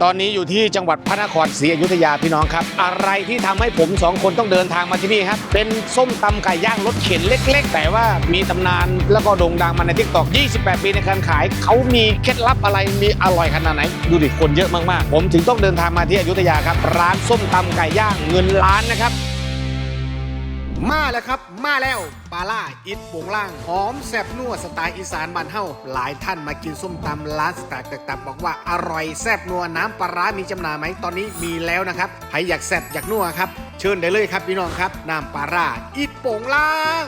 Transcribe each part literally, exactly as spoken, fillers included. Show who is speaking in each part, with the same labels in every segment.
Speaker 1: ตอนนี้อยู่ที่จังหวัดพระนครศรีอยุธยาพี่น้องครับอะไรที่ทำให้ผมสองคนต้องเดินทางมาที่นี่ครับเป็นส้มตำไก่ย่างรถเข็นเล็กๆแต่ว่ามีตำนานแล้วก็โด่งดังมาใน ทิกตอก ยี่สิบแปด ปีในการขายเขามีเคล็ดลับอะไรมีอร่อยขนาดไหนดูดิคนเยอะมากๆผมถึงต้องเดินทางมาที่อยุธยาครับร้านส้มตำไก่ย่างเงินล้านนะครับมาแล้วครับมาแล้วปลาล่าอิดโป่งล่างหอมแซ่บนัวสไตล์อีสานบ้านเฮาหลายท่านมากินส้มตำร้านสไตล์ต่างๆบอกว่าอร่อยแซ่บนัวน้ำปลาร้ามีจำหน่ายไหมตอนนี้มีแล้วนะครับใครอยากแซ่บอยากนัวครับเชิญได้เลยครับพี่น้องครับน้ำปลาร่าอิดโป่งล่าง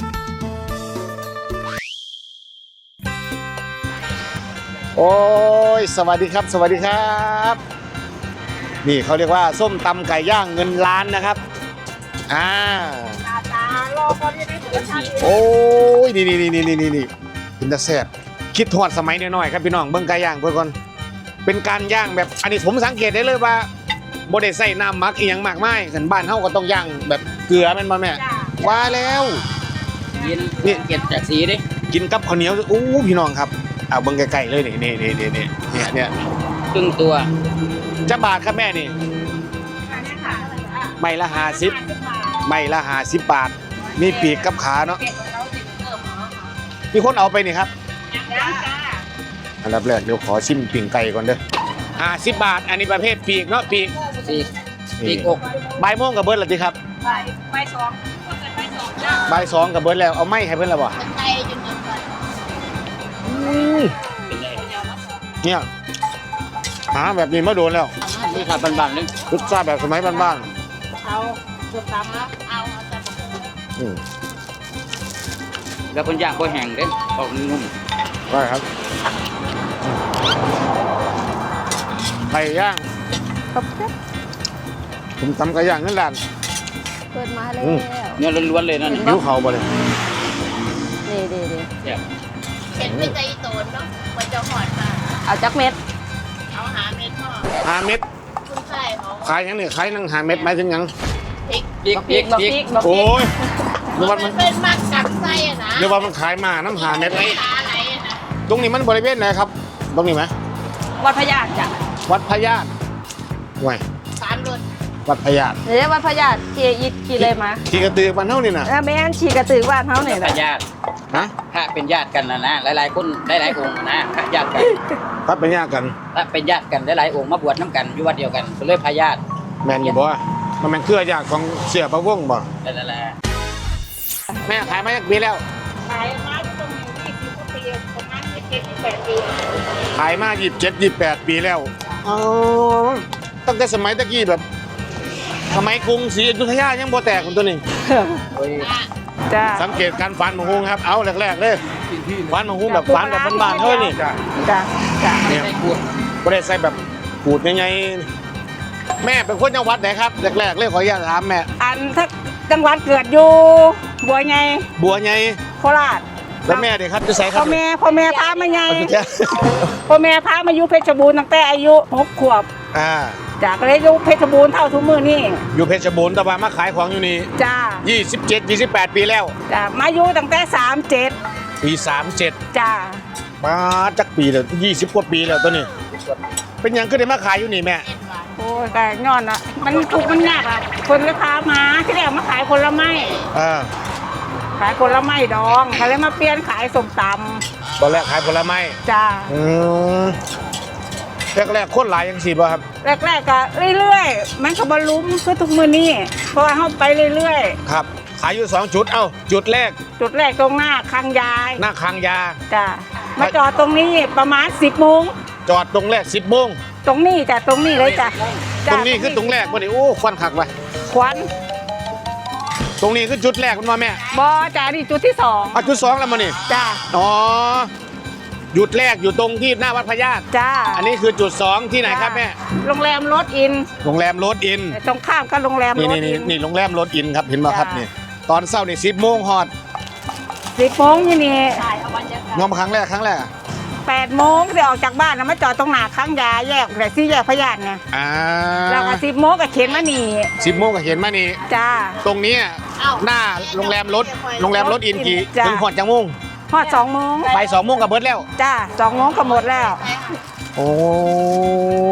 Speaker 1: โอ้ยสวัสดีครับสวัสดีครับนี่เขาเรียกว่าส้มตำไก่ย่างเงินล้านนะครับอ่ารอพอที่ได้รสชาติโอ้ยนี่นี่นี่นี่นี่นี่เป็นตะแซ่บคิดทอดสมัยน้อยๆครับพี่น้องเบิ่งไก่ย่างเพื่อนก่อนเป็นการย่างแบบอันนี้ผมสังเกตได้เลยว่าบ่ได้ใส่น้ำหมักอีหยังมากมายสันบ้านเฮาก็ต้องย่างแบบเกลือแม่นบ่แม่ว่าแล้ว
Speaker 2: นี่เก็บจากสีดิ
Speaker 1: กินกับข้าวเหนียวโอ้พี่น้องครับเอาเบิ่งไกลๆเลยนี่นี่นี่นี่นี่เนี่ยเนี่ย
Speaker 2: ครึ่งตัว
Speaker 1: จะบาทครับแม่นี่ไม่ละห้าสิบไม่ละห้าสิบบาทมีปีกกับขาเนาะมีคนเอาไปนี่ครับอันดับแรกเดี๋ยวขอชิมปีกไก่ก่อนเด้อห้าสิบบาทอันนี้ประเภทปีกเนาะปีก
Speaker 2: ปีกปีกอก
Speaker 1: ใบม่วงกับเบิร์ดละทีครับ
Speaker 3: ใบสอง
Speaker 1: ใบสองกับเบิร์ดแล้วเอาไม้ให้เบิร์ดแล้วบ่เนี่ยหาแบบนี้มาโดนแล้ว
Speaker 2: นี่ครับบ้านๆนึง
Speaker 1: รสชาติแบบสมัยบ้าน
Speaker 3: ๆเอาสุดตำแล้วเอาเอา
Speaker 2: แล้วคนย่างก็แห้งเด้ออกนุ่ม
Speaker 1: ได้ครับไก่ย่าง
Speaker 3: ครับ
Speaker 1: ผมทำไก่ย่างนั่นแหละ
Speaker 3: เปิดมาเลย
Speaker 2: เนื้อล้วนๆเลยนั่น
Speaker 1: หิวเขาบ่เลย
Speaker 3: ดีดีดี
Speaker 4: เห็นไม่ใจโตนเนาะมันจะหอดมา
Speaker 3: เอาจักเม็ด
Speaker 4: เอาหาเม็ดพ่อ
Speaker 1: หาเม็ด
Speaker 4: คุณใช่เขา
Speaker 1: ขายยังเนี่ยขายนั่งหาเม็ดไหมถึงยัง
Speaker 4: พริก
Speaker 2: พริกพริกพริก
Speaker 1: โอ้ย
Speaker 4: นึกว่ามันเป็นมากกับไส้อะนะ
Speaker 1: นึกว่ามันขายมาน้ำหาเม็ดไหม
Speaker 4: อะไรนะ
Speaker 1: ตรงนี้มันบริเวณไหนครับตรงนี้ไหม
Speaker 3: วัดพญาจ้ะ
Speaker 1: วัดพญาตไว้
Speaker 4: สามรถ
Speaker 1: วัดพญาต
Speaker 3: เดี๋ยววัดพญาตขี่อิดขี่เลยมา
Speaker 1: ขี่กระตือบ้านเท่านี่นะ
Speaker 3: แม่นขี่กระตือบ้านเท่านี่นะ
Speaker 2: ญาติ
Speaker 1: ฮะ
Speaker 2: พระเป็นญาติกันนะนะหลายๆคนหลายๆองค์นะพระญาติกัน
Speaker 1: พระเป็นญาติกัน
Speaker 2: พระเป็นญาติกันหลายๆองค์มาบวชน้ำกันอยู่วัดเดียวกันก็เลยพระญาติ
Speaker 1: แม่นอยู่บ่มันเป็นเครือญาติของเสี่ยพระวงศ์บ่
Speaker 2: นั่นแหละ
Speaker 1: แม่ขายมาจากปีแล้ว
Speaker 4: ขายมาตรงนี้ยี่สิบกว่าปีประมาณยี่สิบเจ็ดยี่สิบแปดปี
Speaker 1: ขายมายี่สิบเจ็ดยี่สิบแปดปีแล้วอ๋อตั้งแต่สมัยตะกี้แบบสมัยกรุงศรีอยุธยายังบ่แตกคนตัวนี้
Speaker 3: จ้า
Speaker 1: สังเกตการฟันมะฮุงครับเอาแรกๆเลยฟันมะฮุงแบบฟันแบบบ้านๆเฮ้ยนี่
Speaker 3: จ้าจ้า
Speaker 1: เนี่ยบ่ได้ใส่แบบขูดยังไงแม่เป็นคนจังหวัดไหนครับแรกๆเลยขออนุญาตถามแม่
Speaker 3: อันถ้าจังหวัดเกิดอยู่บัวไง
Speaker 1: บัวไง
Speaker 3: โคราช
Speaker 1: แล้วแม่เด็กครับจะใส่ครับ
Speaker 3: พ่อแม่พ่อแม่พามาไงพ่อแม่พามาอยู่เพชรบูรณ์ตั้งแต่อายุหกขวบ
Speaker 1: อ่า
Speaker 3: จากเลยอยู่เพชรบูรณ์เท่าทุกมือนี่
Speaker 1: อยู่เพชรบูรณ์แต่ว่ามาขายของอยู่นี่
Speaker 3: จ้า
Speaker 1: ยี่สิบเจ็ด ยี่สิบแปดปีแล้ว
Speaker 3: จ้ามาอยู่ตั้งแต่สามเจ็ด
Speaker 1: ปีสามเจ็ด
Speaker 3: จ้า
Speaker 1: มาจักปีแล้วยี่สิบกว่าปีแล้วตัวนี้เป็นยังขึ้นได้มาขายอยู่นี่แม่
Speaker 3: โอ้ยแต่ย้อนอ่ะมันถูกมันยากอ่ะคนลูกค้ามาที่แรกมาขายผลไม้
Speaker 1: อ่า
Speaker 3: ขายผลไม้ดองเขาเลยมาเปลี่ยนขายส้มตำ
Speaker 1: ตอนแรกขายผลไม้
Speaker 3: จ้า
Speaker 1: อืมแรกๆคนหลายยังสิบ่ครับ
Speaker 3: แรกๆก็เรื่อยๆมันก็บรรลุคือทุกมือนี่เพราะว่าเขาไปเรื่อย
Speaker 1: ๆครับขายอยู่สองจุดเอ้าจุดแรก
Speaker 3: จุดแรกตรงหน้าคางยาย
Speaker 1: หน้าคางยา
Speaker 3: จ้ามาจอดตรงนี้ประมาณสิบโมง
Speaker 1: จอดตรงแรกสิบโมง
Speaker 3: ตรงนี้จ้ะตรงนี้เลยจ้ะ
Speaker 1: ตรงนี้คือตรงแรกบ่นี่โอ้ควันขักไป
Speaker 3: ควัน
Speaker 1: ตรงนี้คือจุดแรกคุณว่าแม่
Speaker 3: บอจ้านี่จุดที่สอง
Speaker 1: อ่ะจุดสองแล้วมานี่
Speaker 3: จ้า
Speaker 1: อ๋อหยุดแรกอยู่ตรงที่หน้าวัดพญาต
Speaker 3: จ้า
Speaker 1: อันนี้คือจุดสองที่ไหนครับแม่
Speaker 3: โรงแรมรถอิน
Speaker 1: โรงแรมรถอิน
Speaker 3: ตรงข้ามกับโรงแรมรถอิน
Speaker 1: นี่นี่โรงแรมรถอินครับเห็นไหมครับนี่ตอนเช้านี่สิบโมงฮอด
Speaker 3: สิบโมงนี่นี่
Speaker 1: งอมครั้งแรกครั้งแรก
Speaker 3: แปดโมงจะออกจากบ้านนะมาจอดตรงหน้าข้างยาแยกแต่ที่แยกพญาตไง
Speaker 1: อ่า
Speaker 3: แล้วก็สิบโมงก็เข็นมานี่
Speaker 1: สิบโมงก็เข็นมานี่
Speaker 3: จ้า
Speaker 1: ตรงนี้หน้าโรงแรมรถโรงแรมรถอินกี่ถึงหอดจังโมง
Speaker 3: หอดสองโมง
Speaker 1: ไปสองโมงกับเบิร์ดแล้ว
Speaker 3: จ้าสองโมงก็หมดแล้ว
Speaker 1: โอ้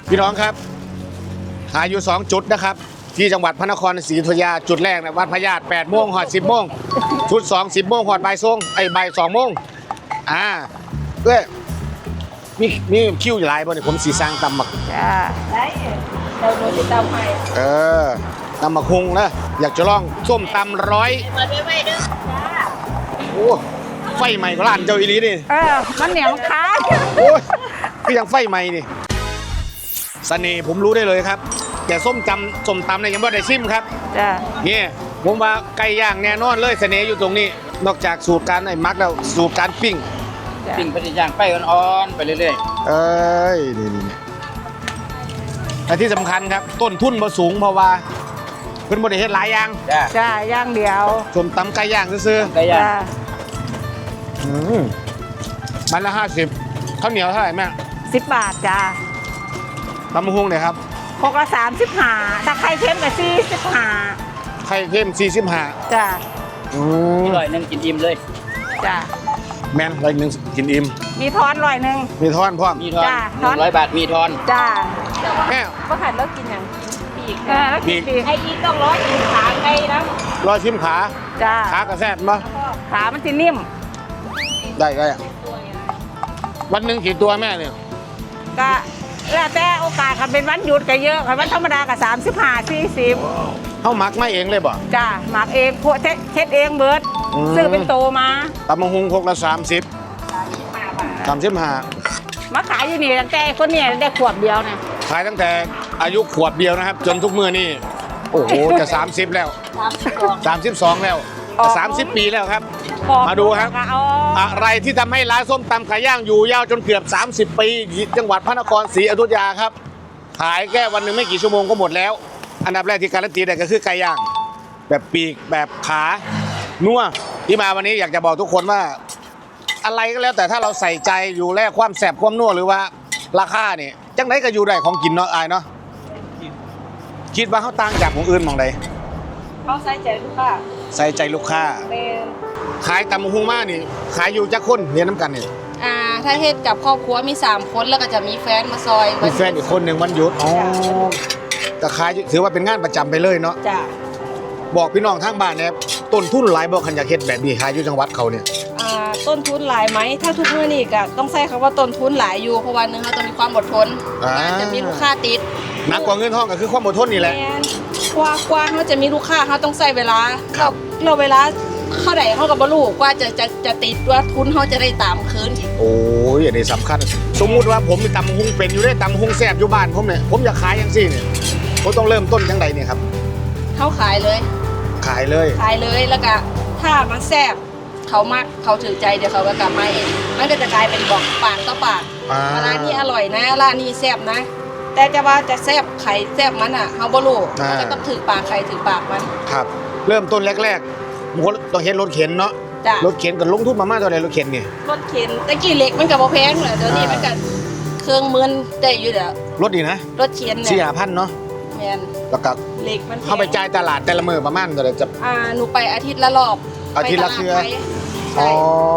Speaker 1: พี่น้องครับหาอยู่สองจุดนะครับที่จังหวัดพระนครศรีอยุธยาจุดแรกนะวัดพญาตแปดโมงหอดสิบโมงชุดสองสิบโมงหอดบ่ายสองไอ้บ่ายสองโมงอ่าเพื่อมีมีคิวหลายบ่เนี่ยผมสีสร้างตำหมัก
Speaker 3: จ้า
Speaker 4: ได้เราโดนติดตามไป
Speaker 1: เออตำหมักฮุงนะอยากจะลองส้มตำร้อย
Speaker 4: เปิดไว้เด้อจ้า
Speaker 1: โอ้ไฟใหม่ก็ร้านเจ้าอีหลีนี่
Speaker 3: เออมันเหนียวมันค้าง
Speaker 1: โอ้ยคือยังไฟใหม่นี่เสน่ห์ผมรู้ได้เลยครับ แต่ส้มตำส้มตำเนี่ยยังไม่ได้ชิมครับ
Speaker 3: จ้า
Speaker 1: เนี่ยผมว่าไก่ย่างแน่นอนเลยเสน่ห์อยู่ตรงนี้ นอกจากสูตรการไอ้มักแล้วสูตรการปิ้ง
Speaker 2: ปิ้งไปย่างไปอ่อนๆไปเรื่อย
Speaker 1: เอ้ยนี่นี่นี่แต่ที่สำคัญครับ ต้นทุนบ่สูงเพราะว่าเพิ่นบ่ได้เฮ็ดหลายอย่าง
Speaker 2: ๆจ้า
Speaker 3: จ้าย่างเดียว
Speaker 1: ส้มตำไก่ย่างซื่อ
Speaker 2: ไก่ย่าง
Speaker 3: จ้า
Speaker 1: ๆอืมมันละห้าสิบข้าวเหนียวเท่าไหร่แม่
Speaker 3: สิบบาทจ้า
Speaker 1: ตำมะฮุงเนี่ยครับ
Speaker 3: พกละสามสิบห้าถ้าใครเค็มกับสี่สิบห้า
Speaker 1: ไข่เค็มสี่สิบห้า
Speaker 3: จ้า
Speaker 1: อืม
Speaker 2: อร่อยนึงกินอิ่มเลย
Speaker 3: จ้า
Speaker 1: แม่นร้อยหนึ่งกินอิ่ม
Speaker 3: มีทอนร้อยหนึ่ง
Speaker 1: มีทอนพร้อม
Speaker 2: มีทอน
Speaker 3: จ้า
Speaker 2: หนึ่งร้อยบาทมีทอน
Speaker 3: จ้า
Speaker 1: แม่
Speaker 4: ว่าหันแล้วกินอย่างปีก
Speaker 3: เออแล้วกินดี
Speaker 4: ไอ้อีต้องร้อยอีขาไก่นะ
Speaker 1: รอยชิมขา
Speaker 3: จ้า
Speaker 1: ขากระแซบมา
Speaker 3: ขามันจะนิ่ม
Speaker 1: ได้ได้อะวันหนึ่งกี่ตัวแม่เนี่ย
Speaker 3: ก็แล้วแต่โอกาสคันเป็นวันหยุดก็เยอะคันวันธรรมดาก็สามสิบห้าสี่สิบ
Speaker 1: เขามักไม่เองเลยบ่
Speaker 3: จ้าหมักเองพวกเช็ดเองเบิร์ด
Speaker 1: อืม
Speaker 3: ซื้อเป็นโตมา
Speaker 1: ตำมะฮุงพกละสามสิบสามสิบห้า
Speaker 3: มาขายอยู่นี่ตั้งแต่คนเนี่ยได้ขวบเดียวนะ
Speaker 1: ขายตั้งแต่อายุขวบเดียวนะครับ จนทุกมือนี่โอ้โหจะสามสิบแล้ว
Speaker 4: สามสิบสอง
Speaker 1: สามสิบสองแล้วสามสิบปีแล้วครับ
Speaker 3: ปอก
Speaker 1: มาดูครับ
Speaker 3: เอา
Speaker 1: อะไรที่ทำให้ร้านส้มตำไก่ย่างอยู่ยาวจนเกือบ สามสิบ ปีจังหวัดพระนครศรีอยุธยาครับ ขายแค่วันหนึ่งไม่กี่ชั่วโมงก็หมดแล้ว อันดับแรกที่การันตีได้ก็คือไก่ย่าง แบบปีกแบบขานัวที่มาวันนี้อยากจะบอกทุกคนว่า อะไรก็แล้วแต่ถ้าเราใส่ใจอยู่แลกความแสบความนัวหรือว่าราคาเนี่ยจังไหนก็อยู่ได้ของกินเนาะอายเนาะคิดว่าเขาต่างจากของอื่นหมองใด
Speaker 4: เขาใส่ใจลูกค้า
Speaker 1: ใส่ใจลูกค้า
Speaker 4: เป็น
Speaker 1: ขายตำมะฮุงมานี่ ขายอยู่จักคนเรียนน้ำกันนี่
Speaker 4: อ่าถ้าเฮ็ดกับครอบครัวมีสามคนแล้วก็จะมีแฟนมาซอย
Speaker 1: มีแฟนอีกคนหนึ่งวันหยุดอ๋อก็ขายถือว่าเป็นงานประจำไปเลยเนาะ
Speaker 4: จ้ะ
Speaker 1: บอกพี่น้องทางบ้านเนี่ยต้นทุนหลายบอกขันอยากเฮ็ดแบบนี้ขายอยู่จังหวัดเขาเนี่ย
Speaker 4: อ่าต้นทุนหลายไหมถ้าทุกมื้อนี่ก็ต้องใช้คำว่าต้นทุนหลายอยู่เพราะวันหนึงเขาต้องมีความอดทน
Speaker 1: อ่า
Speaker 4: จะมีลูกค้าติด
Speaker 1: หนักกว่าเงินทองก็คือความอดทนนี่แหละ
Speaker 4: แม่นกว่ากว่าเขาจะมีลูกค้าเขาต้องใช้เวลา
Speaker 1: ครับ
Speaker 4: เราเวลาเข้าใดเขากับบลูกว่าจะจะจะติดว่าทุนเขาจะได้ตามคืนอีก
Speaker 1: โอ้ยอันนี้สำคัญ สมมุติว่าผมมีตำมะฮุงเป็นอยู่ได้ตำมะฮุงแซ่บอยู่บ้านผมเนี่ยผมอยากขายยังซี่เนี่ยผมต้องเริ่มต้นจังใดเนี่ยครับ
Speaker 4: เขาขายเลย
Speaker 1: ขายเลย
Speaker 4: ขายเลยแล้วก็ถ้ามันแซ่บเขามักเขาถือใจเดี๋ยวเขาก็กลับมาเองมันก็จะกลายเป็นบอกปากต่อปาก
Speaker 1: อ่า
Speaker 4: ร้านนี้อร่อยนะร้านนี้แซ่บนะ แต่จะว่าจะแซ่บไข่แซ่บมันอ่ะเขาบ่รู้มันก็ต้องถือปากไข่ถือปากมัน
Speaker 1: ครับ เริ่มต้นแรกๆบางคนต้องเห็นรถเข็นเนาะ
Speaker 4: จ้ะ
Speaker 1: รถเข็นกับลงทุนมาม่าตัวไหนรถเข็นเนี่ย
Speaker 4: รถเข็นตะกี้เหล็กมันก็บ่แพงเลยเดี๋ยวนี้มันก็เครื่องมือได้อยู่เดี๋ยว
Speaker 1: รถดีนะ
Speaker 4: รถเข็น
Speaker 1: สี่
Speaker 4: เนี่ย
Speaker 1: ห้าพันเนาะ
Speaker 4: แม่น
Speaker 1: แล้วก็
Speaker 4: เหล็กมันแพง
Speaker 1: เข้าไปจ่ายตลาดแต่ละมือประมาณเท่าไหร่จะ
Speaker 4: อ่าหนูไปอาทิตย์ละรอบ
Speaker 1: อาทิตย์ละเทื่อ
Speaker 4: ไปตลาดไทย
Speaker 1: อ๋อ
Speaker 4: ใช่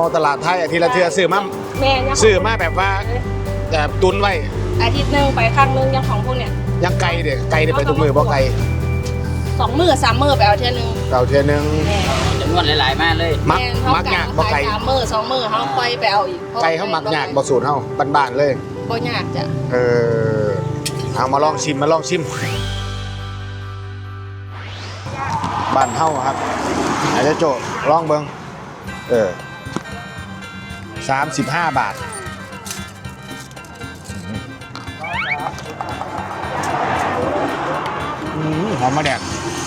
Speaker 1: ตลาดไทยอาทิตย์ละเทือซื้อมา
Speaker 4: แม่ยัง
Speaker 1: ซื้อมาแบบว่าแบบตุนไว้
Speaker 4: อาทิตย์หนึงไปครั้งหนึงยังของพวกเนี่ย
Speaker 1: ยังไกลเด็กไกลเด็ไปทุกมือบ่ไกล
Speaker 4: สองมือสามมือไปเอาเที่ยหนึง
Speaker 1: เก่าเทือนึง
Speaker 4: แม่
Speaker 2: จำนวนหลายๆมากเลย
Speaker 1: มัก
Speaker 4: แม่เขา
Speaker 1: มัก
Speaker 4: กะ
Speaker 1: ยากบ่
Speaker 4: ขาย
Speaker 1: ไกล
Speaker 4: สามมือสองมือเขาค่อยไปเอาอีก
Speaker 1: ไกลเขามักยากบ่สูตรเฮาบ้านๆเลย
Speaker 4: บ่ยากจ้ะ
Speaker 1: เออเอามาลองชิมมาลองชิมบ้านเฮาครับอาจจะโจลองเบิ่งเออสามสิบห้าบาทอืมหอมมะแดก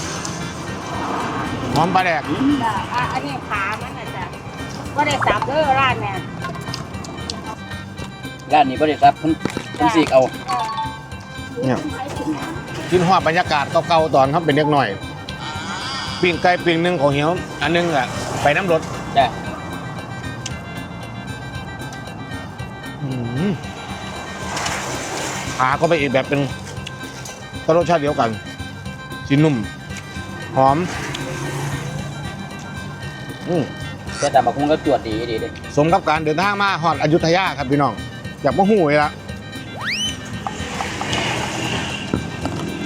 Speaker 1: หอมปลาแดก
Speaker 3: จ้ะอ่ะอันนี้ขามันนะจ้ะว่าได้สับเด้อร้านเนี่ย
Speaker 2: ร้านนี้บริษัทคุณคุณสีกเอา
Speaker 1: เนี่ยกินหอดบรรยากาศเก่าๆตอนเขาเป็นเด็กหน่อยปิ้งไก่ปิ้งหนึ่งของเหี่ยวอันหนึงอ่ะไปน้ำรถ
Speaker 2: จ้ะ
Speaker 1: อืมขาก็ไปอีกแบบเป็นก็รสชาติเดียวกันสีนุ่ม หอมอืม
Speaker 2: แต่ตามบักคงก็จวดดีดีเลย
Speaker 1: สมกับการเดินทางมาฮอดอยุธยาครับพี่น้องอยากมาหูเลยละ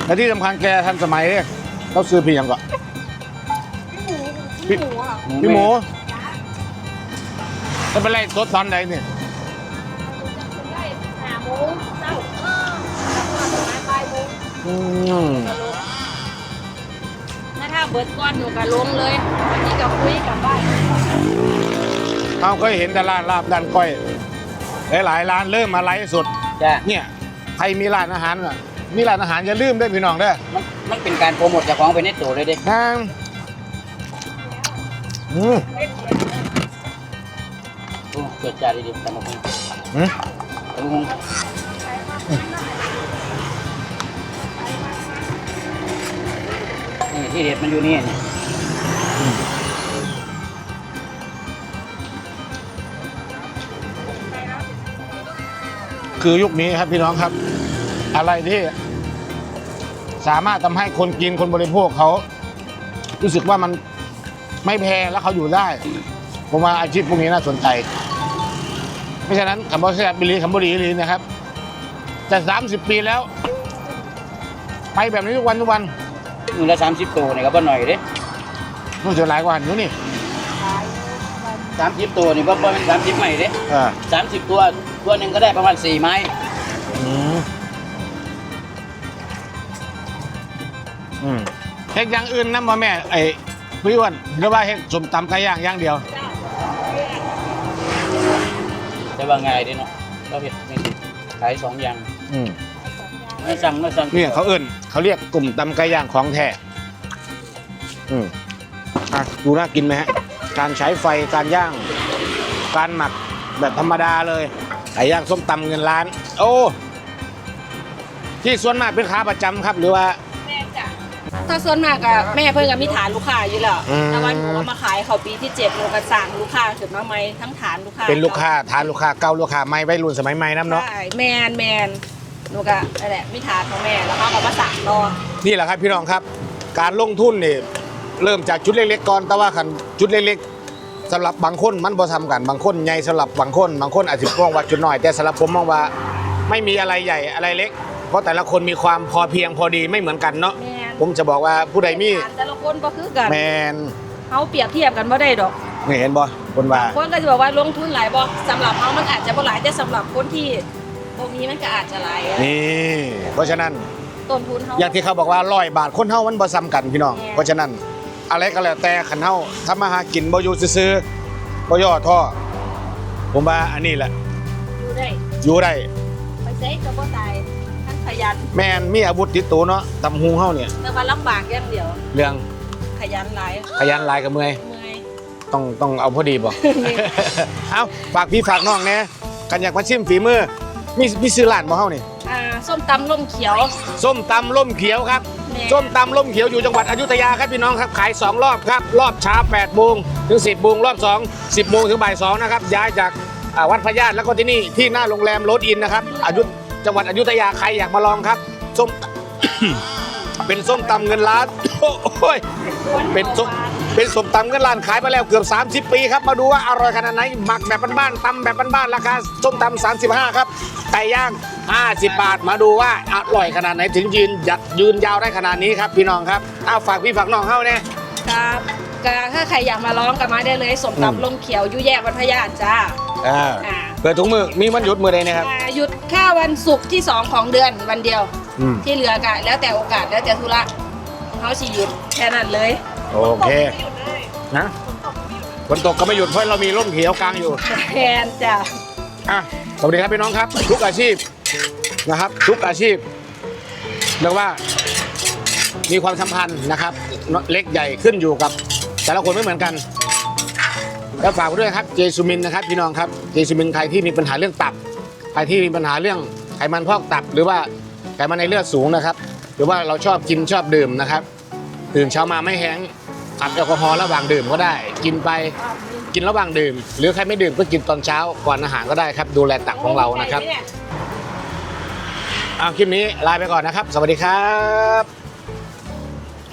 Speaker 1: และที่สำคัญแกทันสมัยเนี่ยเราซื้อพี่ยังก่อน
Speaker 4: พี่หมูอ่ะ
Speaker 1: พี่หมูจะเป็นไรสดตอนไหนเนี่ย
Speaker 4: ได้หาหมูเจ้าแล้วก็ปลายหมู
Speaker 1: อืม
Speaker 4: ถ้าถ้าเบิดก้อนหนูก็ลงเลยวันนี้ก็คุยกับบ้าน
Speaker 1: เอาเคยเห็นแต่ร้านลาบด้านก้อยหลายๆร้านเริ่มมาไลฟ์สด
Speaker 2: จ้ะ
Speaker 1: เนี่ยใครมีร้านอาหารอ่ะมีร้านอาหารอย่าลืมด้วยพี่น้องเด้อ
Speaker 2: มันมันเป็นการโปรโมทเจากของไปในตัวเลยเด้
Speaker 1: นางอืม
Speaker 2: โอ้เกิดจ้าดีๆตำบักหุ่ง
Speaker 1: อืม
Speaker 2: ตำบักหุ่งนี่ที่เด็ดมันอยู่นี่นี่
Speaker 1: คือยุคนี้ครับพี่น้องครับ อะไรที่สามารถทำให้คนกินคนบริโภคเขารู้สึกว่ามันไม่แพงแล้วเขาอยู่ได้ผมว่าอาชีพพวกนี้น่าสนใจเพราะฉะนั้นคำว่าแซ่บบิลีคำว่าดีลีนะครับแต่สามสิบปีแล้ว ไปแบบนี้ทุกวันทุกวัน
Speaker 2: มือละสามสิบตัวนี่ก็บ่หน่อยเด้
Speaker 1: นู่นจะหลายกว่าอยู่นี่
Speaker 2: สามสิบตัวนี่บ่บ่เป็นสามสิบใหม่เด้
Speaker 1: อ่า
Speaker 2: สามสิบตัวตัวหนึ่งก็ได้ประมาณสี่ไม้
Speaker 1: อืมอืมเฮ็ดอย่างอื่นนะพ่อแม่ไอ้พี่อ้วนหรือว่าเฮ็ดสมตำไก่ย่างอย่างเดียว
Speaker 2: แต่ว่าง่ายเด้เนาะเราเห็ดนี่ขายสองอย่าง
Speaker 1: อืม
Speaker 2: ไม่สั่งไม่สั่ง
Speaker 1: เนี่ยเขาเอิ้นเขาเรียกกลุ่มตำไก่ย่างของแท้อืมอ่ะดูน่ากินไหมฮะ การใช้ไฟการย่าง การหมักแบบธรรมดาเลยไก่ย่างส้มตำเงินล้าน โอ้ที่ส่วนมากเป็นค้าประจำครับ หรือว่า
Speaker 4: แม่จ้ะถ้าส่วนมากอะแม่เพิ่งก็มีฐานลูกค้าอยู่แล้ว
Speaker 1: อืม
Speaker 4: แต่วันหนูก็มาขายเขาปีที่เจ็ดหนูก็สั่งลูกค้าขึ้นมาใหม่ทั้งฐานลูกค้า
Speaker 1: เป็นลูกค้าทานลูกค้าเก่าลูกค้าใหม่วัยรุ่นสมัยใหม่น้ำเนาะ
Speaker 4: ใช่แมนแมนหนูก็นั่นแหละมีฐานของแม่แล้วเขาก็มาสั่งรอ
Speaker 1: นี่แหละครับพี่น้องครับ การลงทุนนี่เริ่มจากชุดเล็กๆก่อนแต่ว่าขันชุดเล็กๆสำหรับบางคนมันบ่ทำกันบางคนใหญ่สำหรับบางคนบางคนอาจจะมองว่าจุดน้อยแต่สำหรับผมมองว่าไม่มีอะไรใหญ่อะไรเล็ก เพราะแต่ละคนมีความพอเพียงพอดีไม่เหมือนกันเนาะ
Speaker 4: แมน
Speaker 1: ผมจะบอกว่าผู้ใดมี
Speaker 4: ฐานแต่ละคนก็คือกัน
Speaker 1: แมน
Speaker 4: เขาเปรียบเทียบกันไม่ได้ดอก
Speaker 1: นี่เห็นบ่คนว่า
Speaker 4: คนก็จะบอกว่าลงทุนหลายบ่สำหรับเขามันอาจจะบ่หลายแต่สำหรับคนที่พวกนี้มันก็อาจจะหลาย
Speaker 1: นี่เพราะฉะนั้น
Speaker 4: ต้นทุนเขา
Speaker 1: อย่างที่เขาบอกว่าร้อยบาทคนเฮามันบ่ซ้ำกันพี่น้อง
Speaker 4: แม่
Speaker 1: เพราะฉะนั้นอะไรก็แล้วแต่ขันเฮาทำมาหากินบ่อยู่ซื่อๆบ่ย่อท้อผมว่าอันนี้แหละ
Speaker 4: อยู่ได้
Speaker 1: อยู่ได้
Speaker 4: ไปใช้ก็บ่ตายทั้งขยัน
Speaker 1: แม่นมีอาวุธติดตัวเนาะตำหูเฮาเนี่ย
Speaker 4: แต่ว่าลำบากอย่างเดียว
Speaker 1: เรื่อง
Speaker 4: ขยันหลาย
Speaker 1: ขยันหลายกับเมื่อย
Speaker 4: เมื่อย
Speaker 1: ต้องต้องเอาพอดีบ่ เอาฝากพี่ฝากน้องแน่กันอยากมาชิมฝีมือมีมีซื้อร้านบ่เฮานี่
Speaker 4: อ่าส้มตำล่มเขียว
Speaker 1: ส้มตำล่มเขียวครับ
Speaker 4: แม่
Speaker 1: ส้มตำล่มเขียวอยู่จังหวัดอยุธยาครับพี่น้องครับขายสองรอบครับรอบเช้าแปดโมงถึงสิบโมงรอบสอง สิบโมงถึงบ่ายสองนะครับย้ายจากอ่าวัดพระญาติแล้วก็ที่นี่ที่หน้าโรงแรมโรสอินนะครับอยุธจังหวัดอยุธยาใครอยากมาลองครับส้ม เป็นส้มตำเงินล้าน โอ้ยเป็นส้มเป็นส้มตำเงินล้านขายมาแล้วเกือบสามสิบปีครับมาดูว่าอร่อยขนาดไหนหมักแบบบ้านๆตำแบบบ้านๆราคาส้มตำสามสิบห้าครับไก่ย่างห้าสิบบาทมาดูว่าอร่อยขนาดไหนถึงยืนยัดยืนยาวได้ขนาดนี้ครับพี่น้องครับเอาฝากพี่ฝากน้องเข้าเนี่ย
Speaker 4: ครับก็ถ้าใครอยากมาร้องก็มาได้เลยสม
Speaker 1: อืม
Speaker 4: ตำล่มเขียวอยู่แยกวัดพระญาติจ้า
Speaker 1: อ่า
Speaker 4: อ่า
Speaker 1: เปิดถุงมือมีวันหยุดมือใดนะครับ
Speaker 4: อ่าหยุดแค่วันศุกร์ที่สองของเดือนวันเดียว
Speaker 1: อืม
Speaker 4: ที่เหลือก็แล้วแต่โอกาสแล้วแต่ธุระเขาสิหยุดแค่นั้นเลย
Speaker 1: โอเคนะฝนตกก็ไม่หยุดเพราะเรามีร่มเขียวกลางอยู่
Speaker 4: แทนจ้ะ
Speaker 1: อ่ะสวัสดีครับพี่น้องครับ ทุกอาชีพนะครับ ทุกอาชีพเรียกว่ามีความสัมพันธ์นะครับเล็กใหญ่ขึ้นอยู่กับแต่ละคนไม่เหมือนกัน แล้วฝากไว้ด้วยครับเจซูมินนะครับพี่น้องครับเจซูมินใครที่มีปัญหาเรื่องตับใครที่มีปัญหาเรื่องไขมันพอกตับ หรือว่าไขมันในเลือดสูงนะครับ หรือว่าเราชอบกินชอบดื่มนะครับตื่นเช้ามาไม่แห้งอัดแอลกอฮอล์ระหว่างดื่มก็ได้ กินไปกินระหว่างดื่ม หรือใครไม่ดื่มก็กินตอนเช้าก่อนอาหารก็ได้ครับดูแลตับของเรานะครับเอาคลิปนี้ลาไปก่อนนะครับ สวัสดีครับ